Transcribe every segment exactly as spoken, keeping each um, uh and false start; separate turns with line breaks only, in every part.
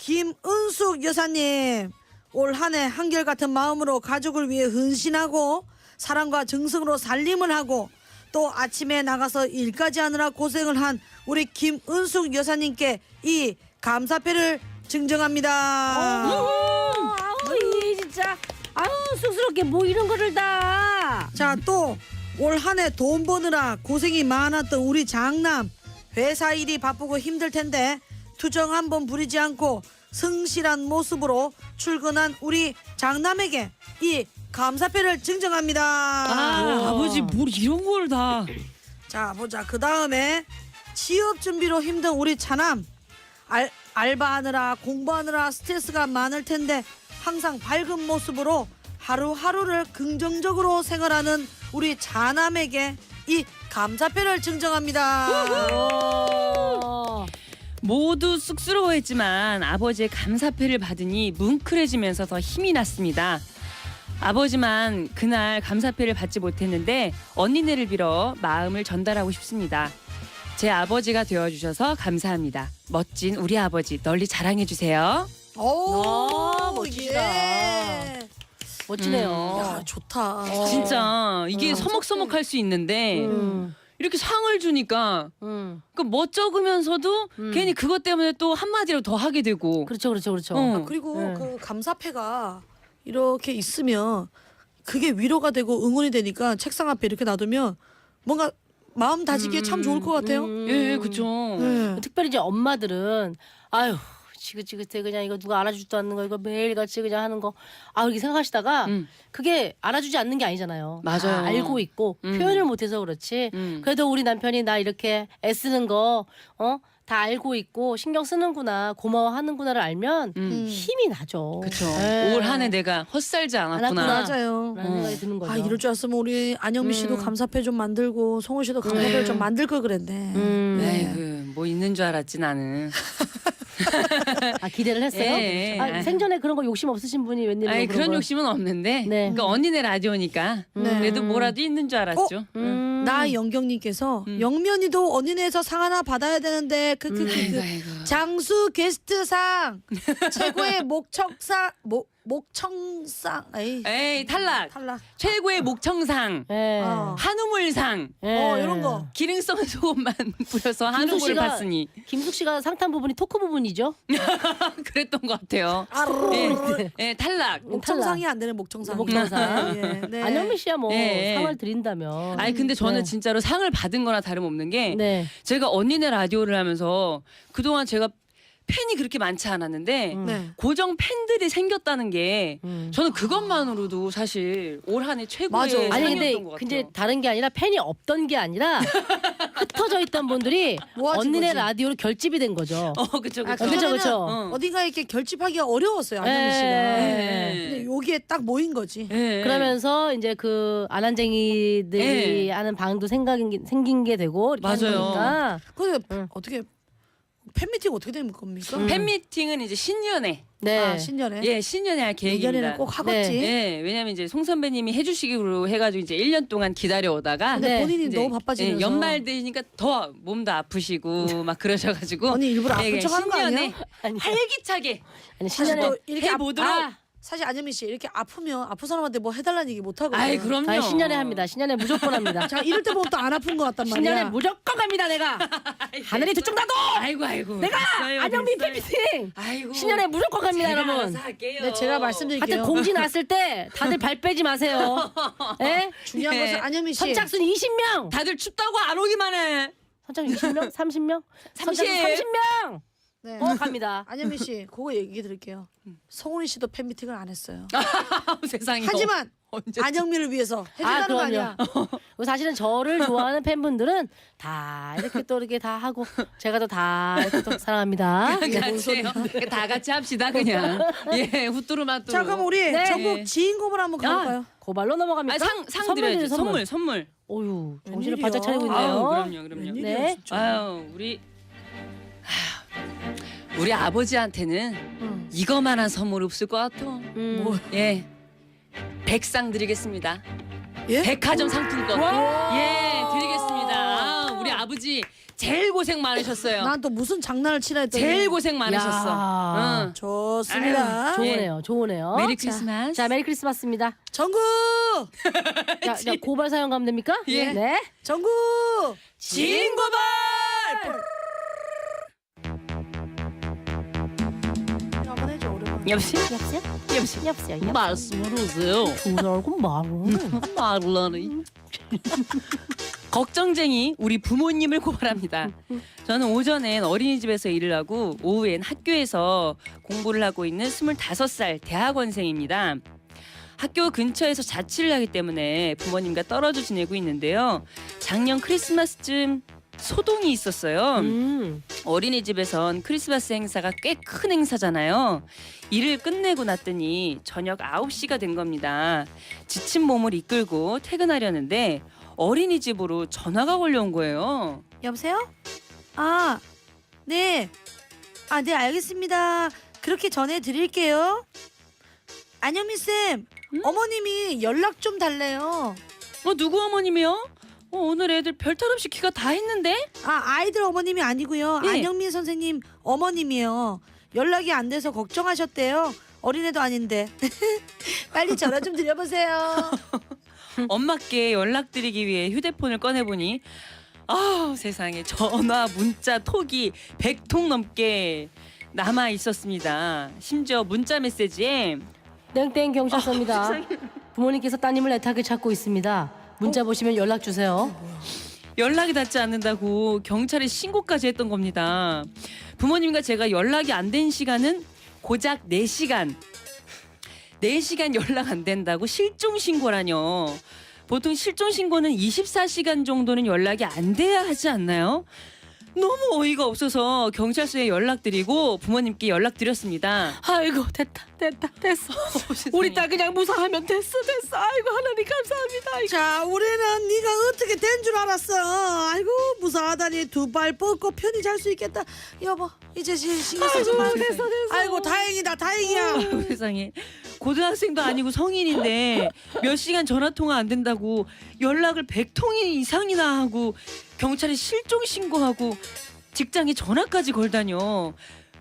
김은숙 여사님, 올 한 해 한결같은 마음으로 가족을 위해 헌신하고 사랑과 정성으로 살림을 하고 또 아침에 나가서 일까지 하느라 고생을 한 우리 김은숙 여사님께 이 감사패를 증정합니다.
아우 이 진짜 아우 쑥스럽게 뭐 이런 거를 다.
자, 또 올 한 해 돈 버느라 고생이 많았던 우리 장남, 회사 일이 바쁘고 힘들 텐데 투정 한번 부리지 않고 성실한 모습으로 출근한 우리 장남에게 이 감사패를 증정합니다.
아, 아버지 뭘 이런 걸 다.
자, 보자. 그 다음에 취업 준비로 힘든 우리 차남, 알, 알바하느라 공부하느라 스트레스가 많을 텐데 항상 밝은 모습으로 하루하루를 긍정적으로 생활하는 우리 자남에게 이 감사패를 증정합니다.
모두 쑥스러워했지만 아버지의 감사패를 받으니 뭉클해지면서 더 힘이 났습니다. 아버지만 그날 감사패를 받지 못했는데 언니네를 빌어 마음을 전달하고 싶습니다. 제 아버지가 되어주셔서 감사합니다. 멋진 우리 아버지 널리 자랑해주세요.
오,
아, 멋지다.
예.
멋지네요.
야, 좋다.
어.
진짜 이게
음.
서먹서먹할 수 있는데
음.
이렇게 상을 주니까
음.
그 멋쩍으면서도
음.
괜히 그것 때문에 또 한마디로 더 하게 되고.
그렇죠, 그렇죠, 그렇죠.
어.
그리고
네.
그 감사패가 이렇게 있으면 그게 위로가 되고 응원이 되니까 책상 앞에 이렇게 놔두면 뭔가 마음 다지기에 참 좋을 것 같아요.
음.
예, 그렇죠.
네.
특별히 이제 엄마들은 아유 지긋지긋해 그냥 이거 누가 알아주지도 않는 거 이거 매일같이 그냥 하는 거 아 이렇게 생각하시다가
음.
그게 알아주지 않는 게 아니잖아요.
맞아요.
다 알고 있고
음.
표현을 못해서 그렇지.
음.
그래도 우리 남편이 나 이렇게 애쓰는 거 어? 다 알고 있고 신경 쓰는구나 고마워하는구나를 알면
음.
힘이 나죠.
그렇죠.
네.
올 한 해 내가 헛살지 않았구나.
않았구나.
맞아요.
라는
어.
생각이 드는 거죠.
아, 이럴 줄 알았으면 우리 안영미 씨도
음.
감사패 좀 만들고 성훈 씨도 감사패를
음.
좀 만들 걸 그랬네.
음.
네.
에이구, 뭐 있는 줄 알았지 나는.
아 기대를 했어요?
예, 예.
아, 생전에 그런 거 욕심 없으신 분이 웬일로
아니
그런
그런
걸.
욕심은 없는데.
네.
그러니까 언니네 라디오니까
네.
그래도 뭐라도 있는 줄 알았죠. 응.
음.
나영경님께서
음.
영면이도 언니네에서 상 하나 받아야 되는데 그 그 그
아이고, 아이고.
장수 게스트상 최고의 목청상 목 목청상 에이
에이 탈락.
탈락.
최고의 목청상,
예.
어.
한우물상,
예.
어, 이런 거.
기능성 소금만 뿌려서
김숙
한우물을
씨가-
봤으니
김숙 씨가 상탄 부분이 토크 부분이죠?
그랬던 것 같아요.
아르르.
예, 예, 탈락.
목청상이 안 되는 목청상.
목청상.
예, 네.
안영미 씨야 뭐
예.
상을 드린다면.
아니 근데 저는
네.
진짜로 상을 받은 거나 다름없는 게
네.
제가 언니네 라디오를 하면서 그동안 제가 팬이 그렇게 많지 않았는데
음.
네.
고정 팬들이 생겼다는 게
음.
저는 그것만으로도 사실 올 한 해
맞아.
최고의
아니 근데
상이었던 것 같아요.
근데 다른 게 아니라 팬이 없던 게 아니라 흩어져 있던 분들이
모아진
언니네
거지.
라디오로 결집이 된 거죠.
어 그쵸
아,
그쵸.
그쵸,
그전에는
그쵸.
어.
어딘가에 이렇게 결집하기가 어려웠어요, 안영미 씨가.
예.
근데 여기에 딱 모인 거지.
예.
그러면서 이제 그 아난쟁이들이
예.
하는 방도 생각인 게, 생긴 게 되고 이렇게 하는
맞아요.
거니까.
근데
응.
어떻게 팬미팅 어떻게 되는 겁니까?
음.
팬미팅은 이제 신년에
네.
아, 신년에.
예 신년에 할 계획입니다.
내년에는 꼭 하겠지.
네.
예 왜냐면 이제 송 선배님이 해주시기로 해가지고 이제 일 년 동안 기다려오다가
근데
네.
본인이
이제,
너무 바빠지면서.
예, 연말 되니까 더 몸도 아프시고 막 그러셔가지고
언니 일부러 아픈
예,
척 하는 거 아니야?
신년에
아니,
활기차게
아니
사실
신년에
또 이렇게 아,
해보도록.
아,
사실 안현미 씨 이렇게 아프면 아픈 사람한테 뭐 해달라는 얘기 못 하거든요.
아이 그럼요.
아니, 신년에 합니다. 신년에 무조건 합니다.
자 이럴 때 보면 또 안 아픈 것 같단 말이야.
신년에 무조건 갑니다 내가. 하늘이 두쪽 나도.
아이고 아이고.
내가
됐어요,
안영미
됐어요.
팬미팅.
아이고.
신년에 무조건 갑니다
제가
여러분.
알아서 할게요.
네, 제가 말씀드릴게요.
하여튼 공지 났을 때 다들 발 빼지 마세요. 예?
중요한
네.
것은 안현미 씨.
선착순 이십 명.
다들 춥다고 안 오기만 해.
선착순 이십 명? 삼십 명?
삼십.
선착순 삼십 명.
네.
어 갑니다.
안현미 씨 그거 얘기 드릴게요. 성훈이 씨도 팬미팅을 안 했어요.
세상에.
하지만
언제
안영미를 위해서 해준다는 거 아니야.
그리고 사실은 저를 좋아하는 팬분들은 다 이렇게 또 이렇게 다 하고 제가 또 다 이렇게 또 사랑합니다. 네.
같이 해요. 다 같이 합시다 그냥. 예, 후뚜루마뚜루.
자 그럼 우리
네.
전국 지인공을 한번 가볼까요?
고발로 넘어갑니까?
아, 상, 상
선물
드려야죠.
드려요,
선물, 선물.
어유 정신을
웬일이야.
바짝 차리고 있네요.
아유, 그럼요, 그럼요.
웬일이야,
네.
진짜.
아유, 우리 아유, 우리 아버지한테는
응.
이거만한 선물 없을 것 같아.
음.
뭐?
예, 백상 드리겠습니다.
예?
백화점 상품권.
와.
예, 드리겠습니다. 아, 우리 아버지 제일 고생 많으셨어요.
난 또 무슨 장난을 치라 했더니
제일 고생 많으셨어.
야.
응.
좋습니다.
아유,
좋으네요. 좋으네요.
메리
자,
크리스마스.
자, 메리 크리스마스입니다.
전국
자, 자, 고발 사연 가면 됩니까?
예.
네.
전국
진고발.
한번 해줘 오랜만에.
여보세요?
여보세요?
여보세요?
여보세요?
말씀을 하세요.
두달고 말은.
말을 하네. 걱정쟁이 우리 부모님을 고발합니다. 저는 오전엔 어린이집에서 일을 하고 오후엔 학교에서 공부를 하고 있는 스물다섯 살 대학원생입니다. 학교 근처에서 자취를 하기 때문에 부모님과 떨어져 지내고 있는데요. 작년 크리스마스쯤 소동이 있었어요.
음.
어린이집에선 크리스마스 행사가 꽤 큰 행사잖아요. 일을 끝내고 났더니 저녁 아홉 시가 된 겁니다. 지친 몸을 이끌고 퇴근하려는데 어린이집으로 전화가 걸려온 거예요.
여보세요? 아, 네. 아, 네, 알겠습니다. 그렇게 전해 드릴게요. 안영미 쌤,
응?
어머님이 연락 좀 달래요.
어, 누구 어머님이요? 어, 오늘 애들 별탈 없이 귀가 다 했는데?
아, 아이들 어머님이 아니고요.
네.
안영민 선생님 어머님이요. 연락이 안 돼서 걱정하셨대요. 어린애도 아닌데. 빨리 전화 좀 드려보세요.
엄마께 연락드리기 위해 휴대폰을 꺼내보니 아 세상에 전화, 문자, 톡이 백 통 넘게 남아 있었습니다. 심지어 문자 메시지에
땡땡 경찰서입니다.
아, 세상에.
부모님께서 따님을 애타게 찾고 있습니다. 문자 보시면 연락 주세요.
연락이 닿지 않는다고 경찰에 신고까지 했던 겁니다. 부모님과 제가 연락이 안 된 시간은 고작 네 시간. 네 시간 연락 안 된다고 실종 신고라뇨. 보통 실종 신고는 이십사 시간 정도는 연락이 안 돼야 하지 않나요? 너무 어이가 없어서 경찰서에 연락드리고 부모님께 연락드렸습니다.
아이고 됐다 됐다 됐어. 우리 딸 그냥 무사하면 됐어 됐어. 아이고 하나님 감사합니다. 아이고.
자, 우리는 네가 어떻게 된 줄 알았어. 아이고, 무사하다니 두 발 뻗고 편히 잘 수 있겠다. 여보, 이제 신경 쓰지
아이고,
마.
됐어, 됐어.
아이고, 다행이다, 다행이야.
아이고, 세상에 고등학생도 아니고 성인인데 몇 시간 전화 통화 안 된다고 연락을 백 통 이상이나 하고 경찰에 실종 신고하고 직장에 전화까지 걸다녀.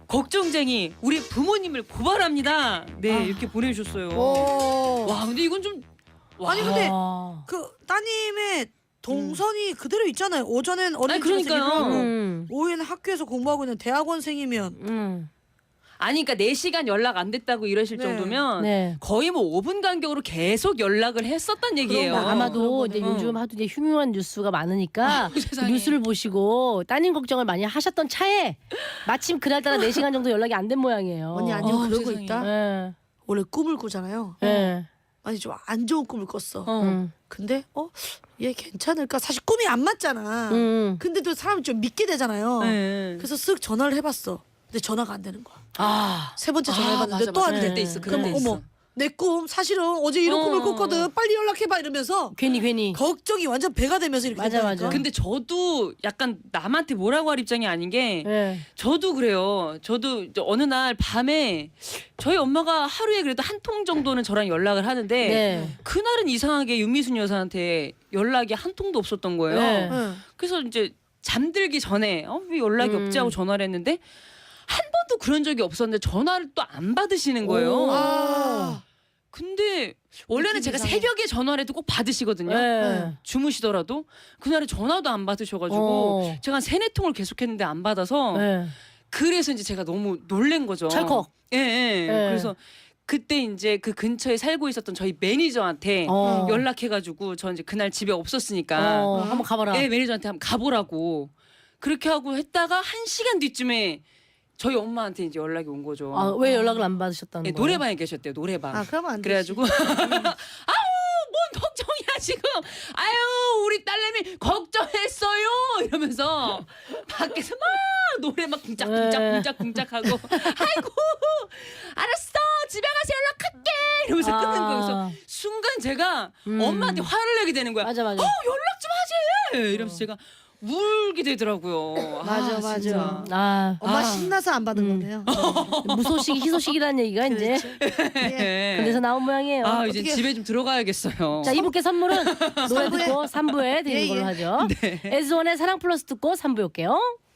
걱정쟁이 우리 부모님을 고발합니다. 네
아.
이렇게 보내주셨어요.
오.
와 근데 이건 좀 와.
아니, 근데
아.
그 따님의 동선이 그대로 있잖아요. 오전엔 어린이집에서
아니, 그러니까요.
일을 하고
음.
오후에는 학교에서 공부하고 있는 대학원생이면
음.
아니 그러니까 네 시간 연락 안 됐다고 이러실
네.
정도면
네.
거의 뭐 오 분 간격으로 계속 연락을 했었단 얘기예요.
그런 거
아마도
그런
이제
거는.
요즘 하도 이제 흉흉한 뉴스가 많으니까
아이고, 세상에.
뉴스를 보시고 따님 걱정을 많이 하셨던 차에 마침 그날따라 네 시간 정도 연락이 안 된 모양이에요.
언니 아니면
어,
그러고
세상에.
있다.
예.
원래 꿈을 꾸잖아요.
예.
아니 좀 안 좋은 꿈을 꿨어.
어.
음.
근데 어 얘 괜찮을까? 사실 꿈이 안 맞잖아.
음.
근데도 사람이 좀 믿게 되잖아요.
네.
그래서 쓱 전화를 해봤어. 근데 전화가 안 되는 거야.
아.
세 번째
아,
전화해봤는데
맞아,
또
맞아.
안
그럴
돼.
때 있어. 그럴
그럼
때 있어.
어머 내 꿈 사실은 어제 이런
어.
꿈을 꿨거든. 빨리 연락해봐 이러면서
괜히 괜히.
걱정이 완전 배가 되면서 이렇게
맞아,
된다니까.
맞아.
근데 저도 약간 남한테 뭐라고 할 입장이 아닌 게
예.
저도 그래요. 저도 이제 어느 날 밤에 저희 엄마가 하루에 그래도 한 통 정도는 저랑 연락을 하는데
네.
그날은 이상하게 윤미순 여사한테 연락이 한 통도 없었던 거예요.
네.
응.
그래서 이제 잠들기 전에 어, 왜 연락이
음.
없지 하고 전화를 했는데 한 번도 그런 적이 없었는데 전화를 또 안 받으시는 거예요.
오.
아.
근데 원래는
느낌
제가
이상해.
새벽에 전화를 해도 꼭 받으시거든요.
예.
주무시더라도 그날에 전화도 안 받으셔가지고
어.
제가 한 세네 통을 계속했는데 안 받아서
예.
그래서 이제 제가 너무 놀란 거죠.
찰컥.
예, 예.
예.
그래서 그때 이제 그 근처에 살고 있었던 저희 매니저한테
어.
연락해가지고 저 이제 그날 집에 없었으니까
어, 한번 가봐라.
예, 매니저한테 한번 가보라고 그렇게 하고 했다가 한 시간 뒤쯤에 저희 엄마한테 이제 연락이 온 거죠.
아, 왜 연락을 안 받으셨다는
예,
거예요?
노래방에 계셨대요. 노래방.
아 그러면 안 돼.
그래가지고 아우 뭔 걱정이야 지금. 아유 우리 딸내미 걱정했어요 이러면서 밖에서 막 노래 막 쿵짝쿵짝
네.
쿵짝쿵짝하고 아이고 알았어 집에 가서 연락할게 이러면서
아.
끊는 거예요. 그래서 순간 제가
음.
엄마한테 화를 내게 되는 거야.
맞아 맞아.
어 연락 좀 하지 이러면서 제가 울게 되더라고요. 아,
맞아, 맞아.
진짜.
아,
엄마
아.
신나서 안 받은
음.
거네요.
무소식 희소식이라는 얘기가 이제
예.
예.
근데서 나온 모양이에요.
아 이제
어떻게-
집에 좀 들어가야겠어요.
자, 이분께 선물은 노래 듣고 삼 부에 드리는
예,
걸로
예.
하죠.
네.
에스원의 사랑 플러스 듣고 삼 부에 올게요.